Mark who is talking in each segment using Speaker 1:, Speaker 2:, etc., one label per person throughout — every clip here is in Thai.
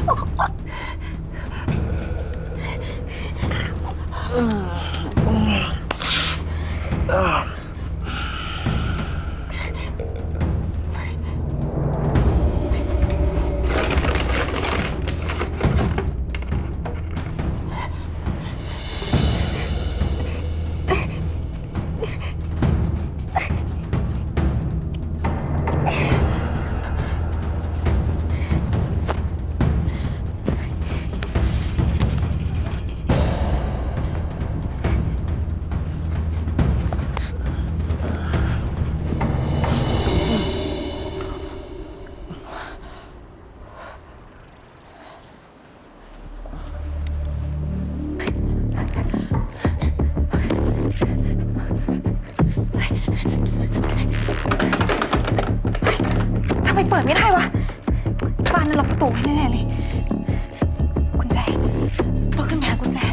Speaker 1: ทำไมเปิดไม่ได้วะบ้านนั้นล็อกประตูไว้แน่ๆเลยกุญแจต้องขึ้นไปหากุญแจ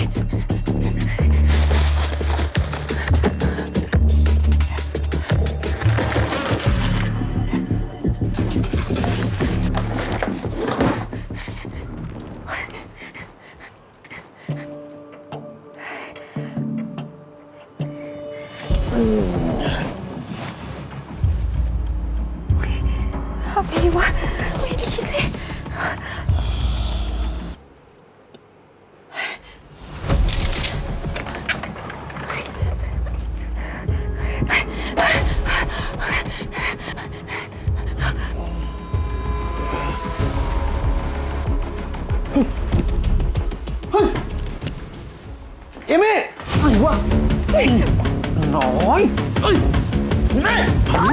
Speaker 1: เอาไปดีวะไม่ได้คิดสิ
Speaker 2: เอมี่อะไรวะน้อยแม่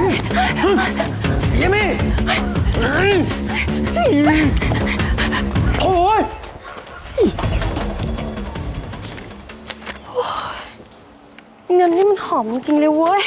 Speaker 2: เอมี่โอ้ย
Speaker 1: เงินนี่มันหอมจริงเลยเว้ย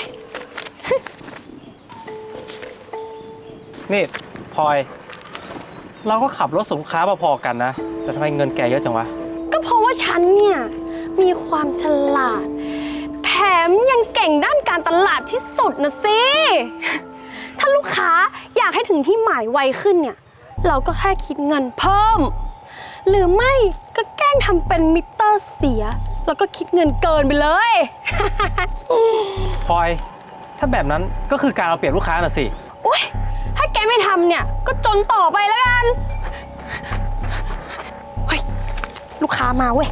Speaker 3: นี่พลอยเราก็ขับรถสินค้าพอๆกันนะแต่ทำไมเงินแกเยอะจังวะ
Speaker 1: ก็เพราะว่าฉันเนี่ยมีความฉลาดแถมยังเก่งด้านการตลาดที่สุดนะสิถ้าลูกค้าอยากให้ถึงที่หมายไวขึ้นเนี่ยเราก็แค่คิดเงินเพิ่มหรือไม่ก็แกล้งทำเป็นมิเตอร์เสียแล้วก็คิดเงินเกินไปเลย
Speaker 3: พลอยถ้าแบบนั้นก็คือการเอาเปรียบลูกค้าน่ะสิ
Speaker 1: อุ๊ยถ้าแกไม่ทำเนี่ยก็จนต่อไปแล้วกันเฮ้ยลูกค้ามาเว้ย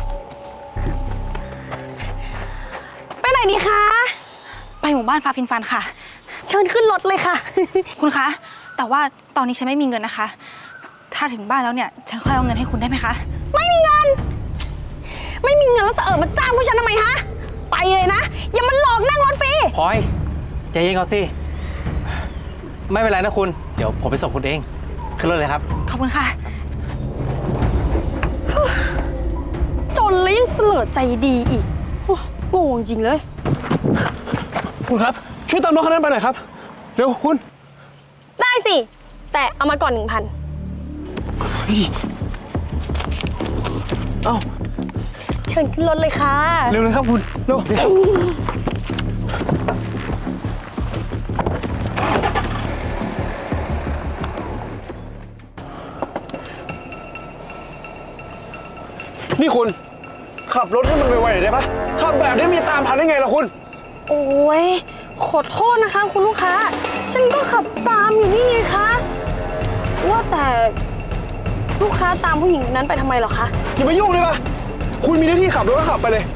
Speaker 1: ไปไหนดีคะ
Speaker 4: ไปหมู่บ้านฟ้าฟินฟันค่ะ
Speaker 1: เชิญขึ้นรถเลยค่ะ
Speaker 4: คุณคะแต่ว่าตอนนี้ฉันไม่มีเงินนะคะถ้าถึงบ้านแล้วเนี่ยฉันค่อยเอาเงินให้คุณได้ไหมคะ
Speaker 1: ไม่มีเงินแล้วเสอะมาจ้างผู้ฉันทำไมฮะไปเลยนะอย่ามาหลอกนั่งรถฟรี
Speaker 3: พลอยใจเย็นก่อนสิไม่เป็นไรนะคุณเดี๋ยวผมไปส่งคุณเองขึ้นรถเลยครับ
Speaker 4: ขอบคุณค่ะ
Speaker 1: จนแล้วยังเสลอใจดีอีกโง่จริงเลย
Speaker 2: คุณครับช่วยตามรถคันนั้นไปหน่อยครับเร็วคุณ
Speaker 1: ได้สิแต่เอามาก่อน 1,000
Speaker 2: เอ้า
Speaker 1: เชิญขึ้นรถเลยค่ะ
Speaker 2: เร็วเลยครับคุณเร็วนี่คุณขับรถให้มันไวๆได้ปะขับแบบนี้มีตามทันได้ไงล่ะคุณ
Speaker 1: โอ้ยขอโทษนะคะคุณลูกค้าฉันก็ขับตามอยู่นี่ไงคะว่าแต่ลูกค้าตามผู้หญิงคนนั้นไปทำไมหรอคะ
Speaker 2: อย่ามายุ่งเลยปะคุณมีหน้าที่ขับรถก็ขับไปเลย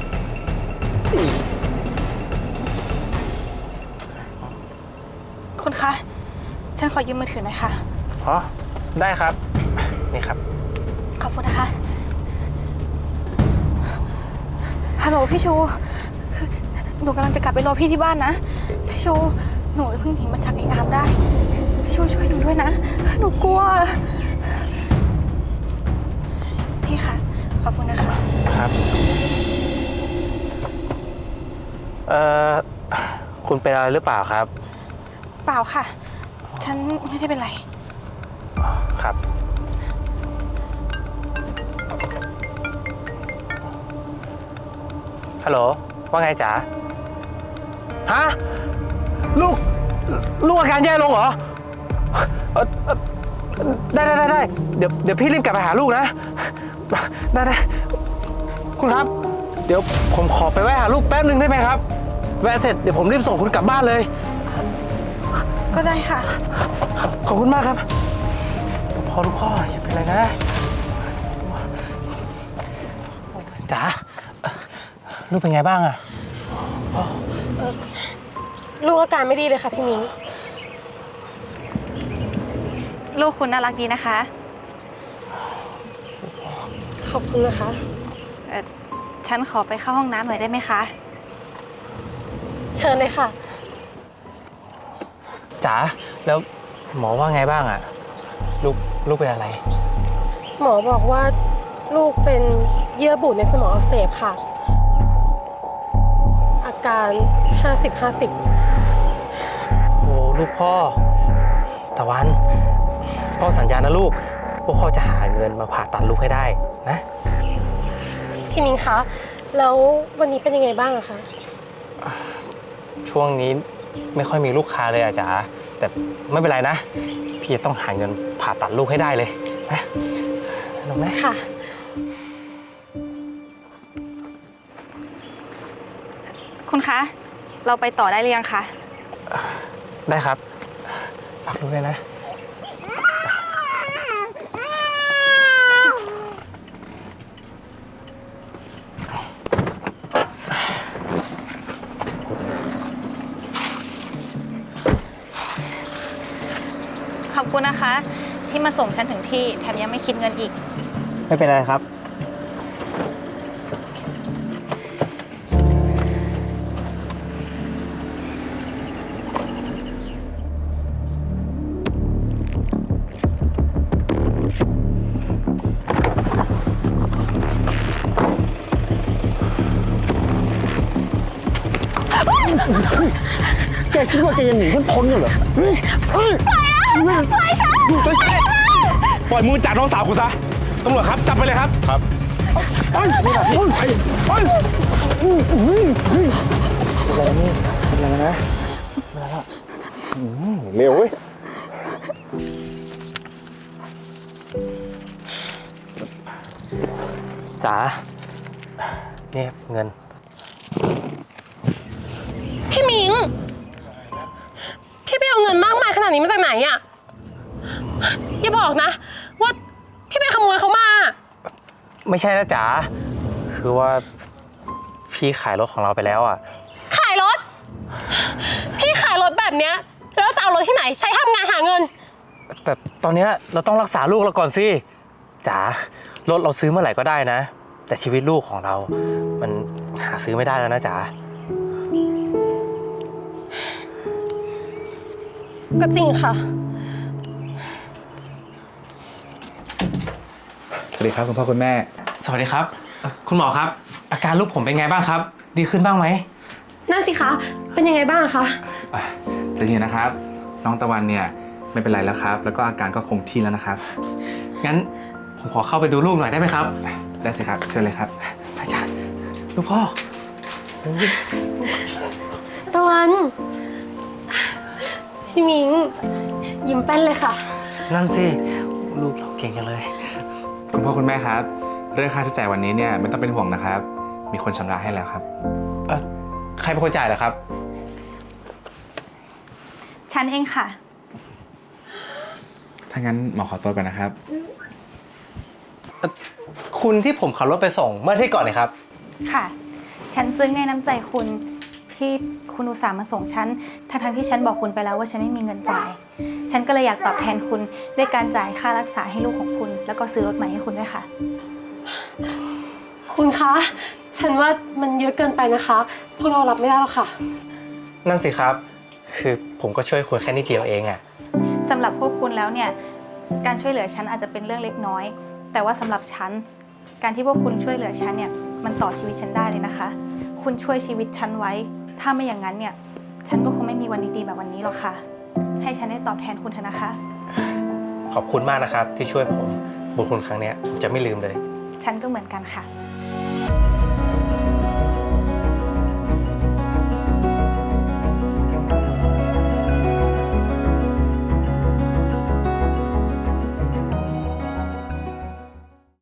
Speaker 4: คุณคะฉันขอยืมมือถือหน่อยค่ะ
Speaker 3: อ๋อได้ครับนี่ครับ
Speaker 4: ขอบคุณนะคะฮัลโหลพี่ชูคือหนูกำลังจะกลับไปรอพี่ที่บ้านนะพี่ชูหนูเพิ่งหนีมาจากไอ้อามได้พี่ชูช่วยหนูด้วยนะหนูกลัวพี่ค่ะขอบคุณนะคะ
Speaker 3: ครับคุณเป็นอะไรหรือเปล่าครับ
Speaker 4: เปล่าค่ะฉันไม่ได้เป็นไร
Speaker 3: ครับฮัลโหลว่าไงจ๋าฮะลูกอาการแย่ลงเหรอได้เดี๋ยวพี่รีบกลับไปหาลูกนะได้คุณครับ เดี๋ยวผมขอไปแวะหาลูกแป๊บนึงได้ไหมครับแวะเสร็จเดี๋ยวผมรีบส่งคุณกลับบ้านเลย
Speaker 4: ก็ได้ค่ะ
Speaker 3: ขอบคุณมากครับลูกพ่ออย่าเป็นไรนะจ๋าลูกเป็นไงบ้างอะ
Speaker 1: ลูกอาการไม่ดีเลยค่ะพี่มิ้ง
Speaker 4: ลูกคุณน่ารักดีนะคะ
Speaker 1: ขอบคุณนะคะ
Speaker 4: ฉันขอไปเข้าห้องน้ำหน่อยได้ไหมคะ
Speaker 1: เชิญเลยค่ะ
Speaker 3: จ๋าแล้วหมอว่าไงบ้างอะลูกเป็นอะไร
Speaker 1: หมอบอกว่าลูกเป็นเยื่อบุในสมองอักเสบค่ะ อาการ 50-50
Speaker 3: โอ้ลูกพ่อตะวันพ่อสัญญานะลูกว่าพ่อจะหาเงินมาผ่าตัดลูกให้ได้นะ
Speaker 1: พี่มิ้งคะ แล้ววันนี้เป็นยังไงบ้างอะคะ
Speaker 3: ช่วงนี้ไม่ค่อยมีลูกค้าเลยอะจ๋าแต่ไม่เป็นไรนะพี่จะต้องหาเงินผ่าตัดลูกให้ได้เลยนะน้องนะ
Speaker 1: ค่ะ
Speaker 4: คุณคะ เราไปต่อได้หรือยังคะ
Speaker 3: ได้ครับฝากลูกด้วยนะ
Speaker 4: ขอบคุณนะคะ ที่มาส่งฉันถึงที่แถมยังไม่คิดเงินอีก
Speaker 3: ไม่เป็นไรครับ
Speaker 2: แกคิดว่าแกจะหนีฉันพ้นกันเหรอปล่อยมือจากน้องสาวคุณซะตำรวจครับจับไปเลยครับครับไปนี่แหละพี่ไปอะไรนะเร็วเว้ย
Speaker 3: จ๋าเนี่ยเงิน
Speaker 1: พี่มิ้ง พี่ไปเอาเงินมากมายขนาดนี้มาจากไหนอะอย่าบอกนะ ว่าพี่ไปขโมยเขามา
Speaker 3: ไม่ใช่นะจ๋าคือว่าพี่ขายรถของเราไปแล้วอ่ะ
Speaker 1: ขายรถ พี่ขายรถแบบเนี้ยแล้วจะเอารถที่ไหนใช้ทำงานหาเงิน
Speaker 3: แต่ตอนเนี้ยเราต้องรักษาลูกเราก่อนสิจ๋ารถเราซื้อเมื่อไหร่ก็ได้นะ แต่ชีวิตลูกของเรา มันหาซื้อไม่ได้แล้วนะจ๋า
Speaker 1: ก็จริงค่ะ
Speaker 5: สวัสดีครับคุณพ่อคุณแม่
Speaker 3: สวัสดีครับคุณหมอครับ อาการลูกผมเป็นไงบ้างครับ ดีขึ้นบ้างไหม
Speaker 1: นั่นสิคะ เป็นยังไงบ้างคะ
Speaker 5: แต่ทีนะครับ น้องตะวันเนี่ยไม่เป็นไรแล้วครับ แล้วก็อาการก็คงที่แล้วนะครับ
Speaker 3: งั้นผมขอเข้าไปดูลูกหน่อยได้ไหมครับ
Speaker 5: ได้สิครับ เชิญเลยครับ
Speaker 3: อาจารย์ลูกพ่อ
Speaker 1: ตะวัน พี่มิง ยิ้มแป้นเลยค่ะ
Speaker 3: นั่นสิลูกเราเก่งจังเลย
Speaker 5: คุณพ่อคุณแม่ครับ เรื่องค่าใช้จ่ายวันนี้เนี่ยไม่ต้องเป็นห่วงนะครับ มีคนชำระให้แล้วครับ
Speaker 3: ใครเป็นคนจ่ายเหรอครับ
Speaker 4: ฉันเองค่ะ
Speaker 5: ถ้างั้นหมอขอตัวก่อนนะครับ
Speaker 3: คุณที่ผมขับรถไปส่งเมื่ออาที่ก่อนเลยครับ
Speaker 4: ค่ะ ฉันซึ้งในน้ำใจคุณที่คุณอุตส่าห์มาส่งฉัน ทั้งที่ฉันบอกคุณไปแล้วว่าฉันไม่มีเงินจ่าย ฉันก็เลยอยากตอบแทนคุณด้วยการจ่ายค่ารักษาให้ลูกของคุณ แล้วก็ซื้อรถใหม่ให้คุณด้วยค่ะ
Speaker 1: คุณคะ ฉันว่ามันเยอะเกินไปนะคะ พวกเรารับไม่ได้หรอกค่ะ
Speaker 3: นั่นสิครับ คือผมก็ช่วยคุณแค่นิดเดียวเองอะ
Speaker 4: สำหรับพวกคุณแล้วเนี่ย การช่วยเหลือฉันอาจจะเป็นเรื่องเล็กน้อย แต่ว่าสำหรับฉัน การที่พวกคุณช่วยเหลือฉันเนี่ย มันต่อชีวิตฉันได้เลยนะคะ คุณช่วยชีวิตฉันไว้ ถ้าไม่อย่างนั้นเนี่ย ฉันก็คงไม่มีวันดีๆแบบวันนี้หรอกค่ะ ให้ฉันได้ตอบแทนคุณเถอะนะคะ
Speaker 3: ขอบคุณมากนะครับที่ช่วยผมบุญคุณครั้งเนี้ยผมจะไม่ลืมเลย
Speaker 4: ฉันก็เหมือนกันค่ะ